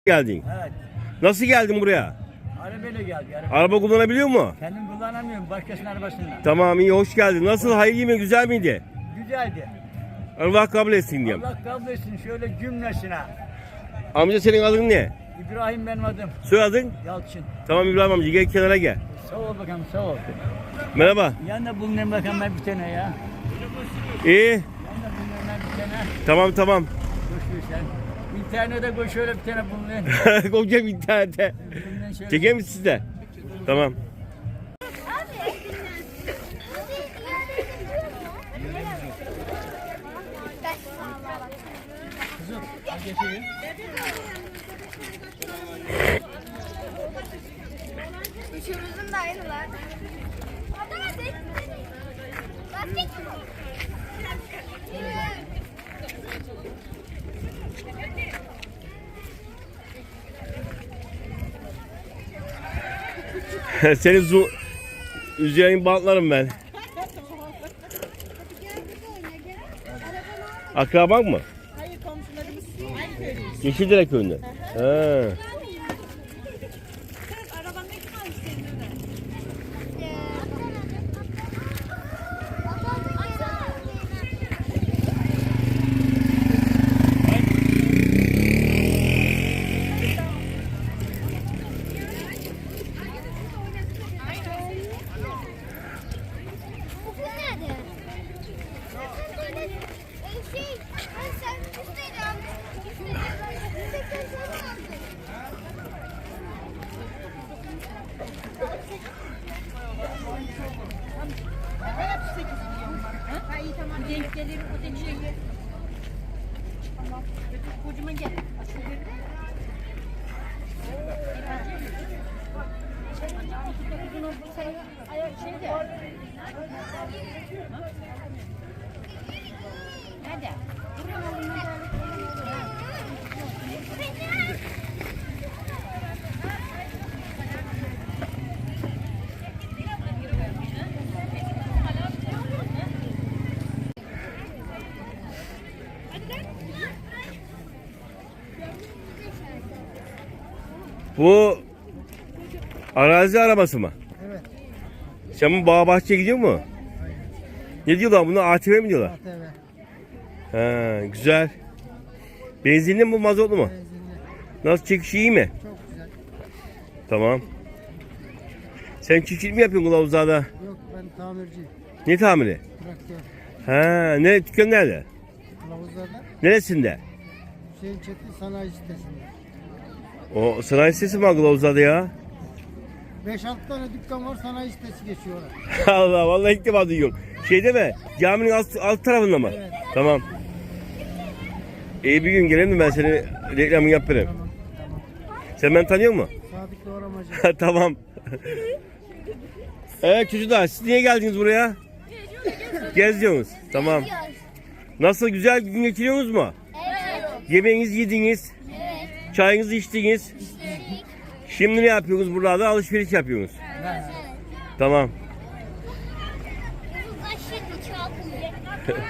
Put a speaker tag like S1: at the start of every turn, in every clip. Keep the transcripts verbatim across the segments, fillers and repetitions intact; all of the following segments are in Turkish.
S1: Geldin.
S2: Evet.
S1: Nasıl geldin buraya?
S2: Arabayla geldi. Araba.
S1: Araba kullanabiliyor mu?
S2: Kendim kullanamıyorum. Başkasının arabasından.
S1: Tamam, iyi, hoş geldin. Nasıl, hayırlı mı, güzel miydi?
S2: Güzeldi.
S1: Allah kabul etsin diyeyim.
S2: Allah kabul etsin şöyle cümlesine.
S1: Amca, senin adın ne?
S2: İbrahim benim adım.
S1: Soyadın?
S2: Yalçın.
S1: Tamam İbrahim amca, gel kenara gel.
S2: Sağ ol bakalım, sağ ol.
S1: Merhaba.
S2: Yanında bulunayım bakalım ben bir tane ya.
S1: İyi.
S2: Yanında bulunayım ben bir tane.
S1: Tamam tamam.
S2: Koşuyor sen. İnternete koş şöyle bir tane bulunayım.
S1: Koyacağım internete.
S2: Bulunayım şöyle.
S1: Çeker misin siz de? Tamam.
S2: Kızım, hadi geçeyim.
S3: Üçümüzün de aynılar. Lastik. Lastik.
S1: Seni zu... Üzerine bantlarım ben. Akraban mı?
S4: Hayır, komşularımız aynı köylüyüz.
S1: Yeşildere köyünde. Ha.
S4: Kız araban ne kalmış senin öyle?
S3: Okul nerede? Şey, sen üstteydi abi. Üstteydi.
S4: Ha iyi tamam. Denk gelir o denk şey. Tamam. Kocama gel. Nerede?
S1: Bu arazi arabası mı?
S2: Evet.
S1: Sen bu bağ bahçeye gidiyor mu? Ne diyorlar buna? A T V mi diyorlar?
S2: Evet.
S1: Ha, güzel. Benzinli mi bu, mazotlu mu? Nasıl, çekişi iyi mi?
S2: Çok güzel.
S1: Tamam. Sen çiftçilik mi yapıyorsun kılavuzlarda?
S2: Yok, ben tamirciyim.
S1: Ne tamiri?
S2: Traktör.
S1: Ha, ne, dükkan nerede?
S2: Kılavuzlarda
S1: Neresinde?
S2: Hüseyin Çetin Sanayi Sitesi'nde.
S1: O sanayi sitesi mi var kılavuzlarda ya?
S2: beş altı tane dükkan var, sanayi sitesi geçiyorlar.
S1: Allah, vallahi ilk defa duyuyorum. Şeyde mi? Caminin alt, alt tarafında mı?
S2: Evet.
S1: Tamam. İyi, bir gün gelelim mi, ben seni reklamını yaparım.
S2: Tamam, tamam.
S1: Sen beni tanıyor musun?
S2: Sadık Doğramacı.
S1: Tamam. Evet çocuklar, siz niye geldiniz buraya? Geziyorsunuz. Tamam. Nasıl, güzel gün geçiriyorsunuz mu?
S3: Evet.
S1: Yemeğinizi yediniz.
S3: Evet.
S1: Çayınızı içtiniz. Şimdi ne yapıyorsunuz buralarda? Alışveriş yapıyorsunuz. Tamam.
S3: Aşırı çalkın.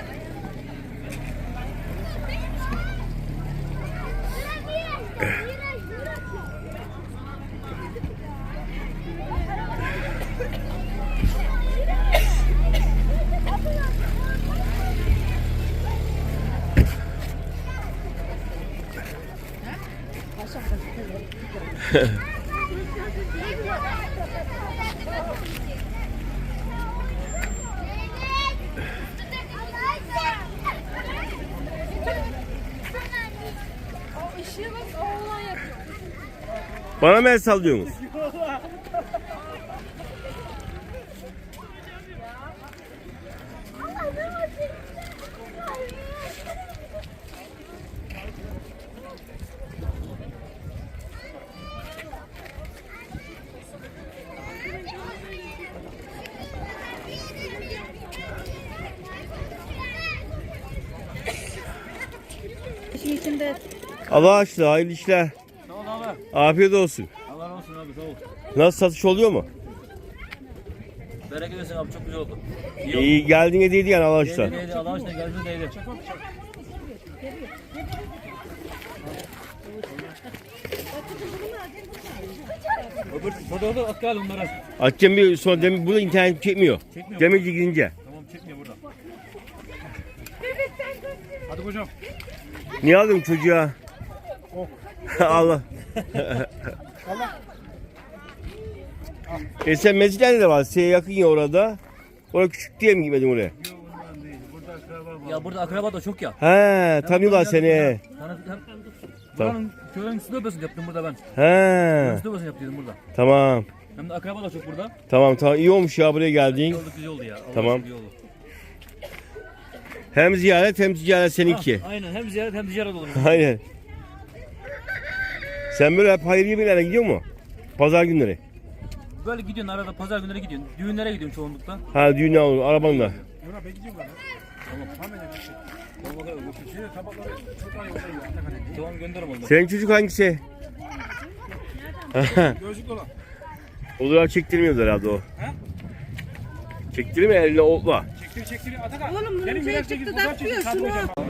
S4: O ışığı bak o oğlan yapıyor.
S1: Bana mı el sallıyorsunuz?
S4: İşin içinde
S1: Allah aşkına, hayırlı işler.
S2: Sağ ol abi.
S1: Afiyet olsun.
S2: Allah olsun abi, sağ ol.
S1: Nasıl, satış oluyor mu?
S2: Bereket olsun abi, çok güzel oldu. İyi oldu.
S1: İyi geldiğine değdi yani Allah aşkına.
S2: Değdi, değdi. Allah aşkına geldi, değdi.
S5: Öbür fotoğrafı at gel onlara.
S1: Açacağım bir sonra demin burada internet çekmiyor.
S5: Çekmiyor.
S1: Demirci gidince.
S5: Tamam çekmiyor burada. Hadi hocam.
S1: Niye aldın çocuğa? Allah. E sen mescidende de var. Size yakın ya orada. Orada küçük diye mi gitmedin oraya?
S5: Ya burada akraba da çok ya.
S1: He, tanıyorlar seni.
S5: Sana buranın köyün üstü öbesini yaptım burada ben.
S1: He,
S5: Üstü öbesini yaptım burada.
S1: tamam.
S5: Hem de akraba da çok burada.
S1: Tamam tamam iyi olmuş ya buraya
S5: İyi
S1: geldin.
S5: oldu güzel oldu ya. Allah
S1: Tamam.
S5: aşkına iyi oldu.
S1: Hem ziyaret hem ticaret seninki.
S5: Ha, aynen hem ziyaret hem ticaret olur.
S1: Aynen. Sen böyle hep hayırlı yerlere gidiyor mu? Pazar günleri.
S5: Böyle gidiyorsun arada pazar günleri gidiyorsun. Düğünlere gidiyorsun çoğunlukla.
S1: Ha düğüne olur arabanla.
S5: Tamam gönder onları.
S1: Senin çocuk hangisi?
S5: Gözlük olan.
S1: Olarak çektirmiyor herhalde o. Çektirmiyor eline otla.
S5: Çektir çektir Atakan.
S4: Oğlum bunun şey çıktı da atmıyor şunu.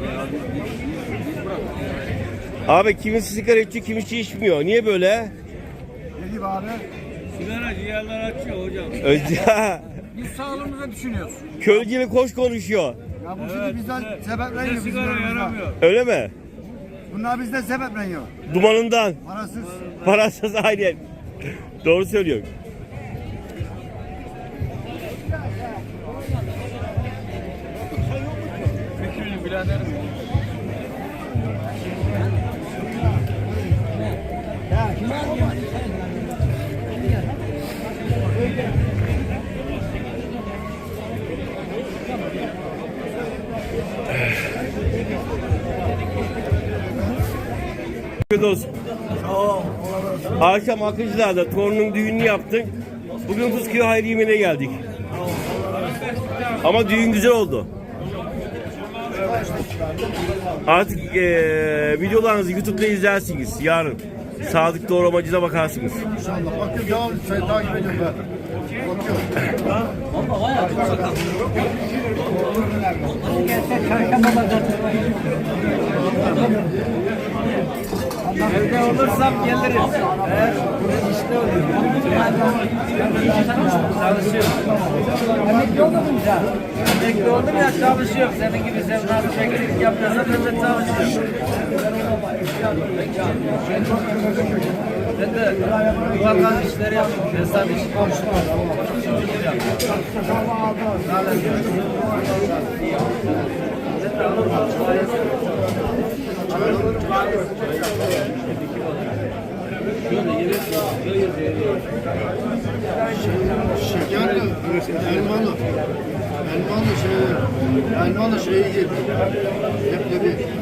S1: Abi kimisi sigara içiyor kimisi içmiyor. Niye böyle?
S2: Ne gibi abi?
S5: Sigara ciğerler açıyor hocam.
S1: Özca.
S5: Biz sağlığımıza düşünüyoruz.
S1: Köylü gibi koş konuşuyor.
S2: Ya bu şimdi bizden sebepleniyor bizim
S5: Sigara
S2: yanımızda.
S5: yaramıyor.
S1: Öyle mi?
S2: Bunlar bizden sebepleniyor.
S1: Dumanından.
S2: Parasız.
S1: Parasız aynen. Doğru söylüyorsun.
S5: Fikrini biraderim.
S1: Afiyet olsun. Akşam Akıncılar'da torunun düğününü yaptık. Bugün Fıskiye hayır yemeğine geldik. Ama düğün güzel oldu. Artık eee videolarınızı YouTube'da izlersiniz yarın. Sadık Doğramacı'na bakarsınız.
S2: İnşallah. Bakıyorum devam sen takip ediyorum ben. Bakıyorum.
S5: Evde olursam gelirim. Evet. İşte oluyor. Çalışıyorum. Emekli oldun mu sen? Emekli oldum ya çalışıyorum. Senin gibi sen nasıl çekicilik yapıyorsan ben de çalışıyorum. Ben de duvar gaz işleri yapıyorum. Hesap işi.
S2: Şekerli, elmalı. Elmalı şey, elmalı şeyi yedim. Leblebi.